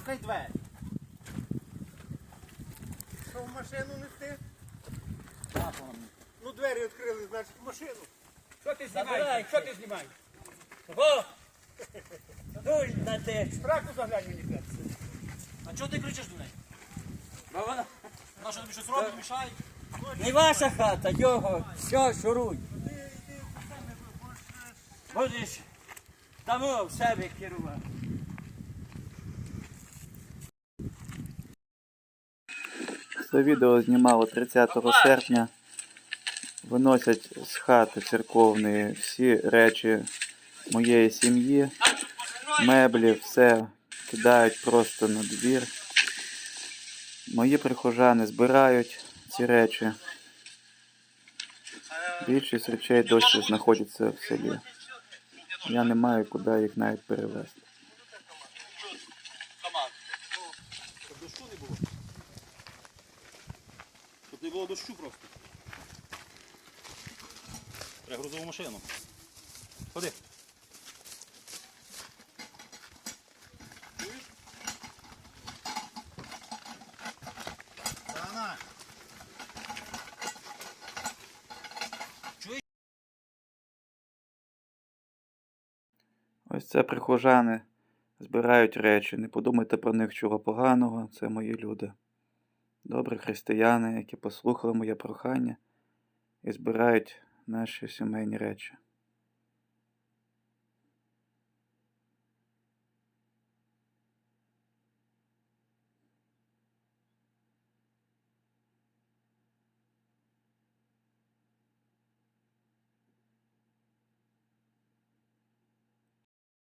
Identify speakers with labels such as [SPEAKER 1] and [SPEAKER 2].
[SPEAKER 1] Чекай двері. Що в машину нести? Ну двері відкрили, значить в машину.
[SPEAKER 2] Що ти знімаєш? Що ти знімаєш? О! Дуй на те.
[SPEAKER 1] Страху заглянь мені перце.
[SPEAKER 3] А чого ти кричиш до неї?
[SPEAKER 2] Бо вона
[SPEAKER 3] Вона що тобі щось робить, мішає?
[SPEAKER 2] не ваша хата, його. Все, шуруй. Будеш тому в себе керувати.
[SPEAKER 4] Це відео знімало 30 серпня. Виносять з хати церковної всі речі моєї сім'ї, меблі, все кидають просто на двір. Мої прихожани збирають ці речі. Більшість речей досі знаходяться в селі. Я не маю куди їх навіть перевезти.
[SPEAKER 3] Щоб дощу не було. Щоб не було дощу просто. Треба грузову машину. Ходи. Чуєш? Сана!
[SPEAKER 4] Ось це прихожани збирають речі. Не подумайте про них чого поганого, це мої люди. Добрі християни, які послухали моє прохання і збирають наші сімейні речі.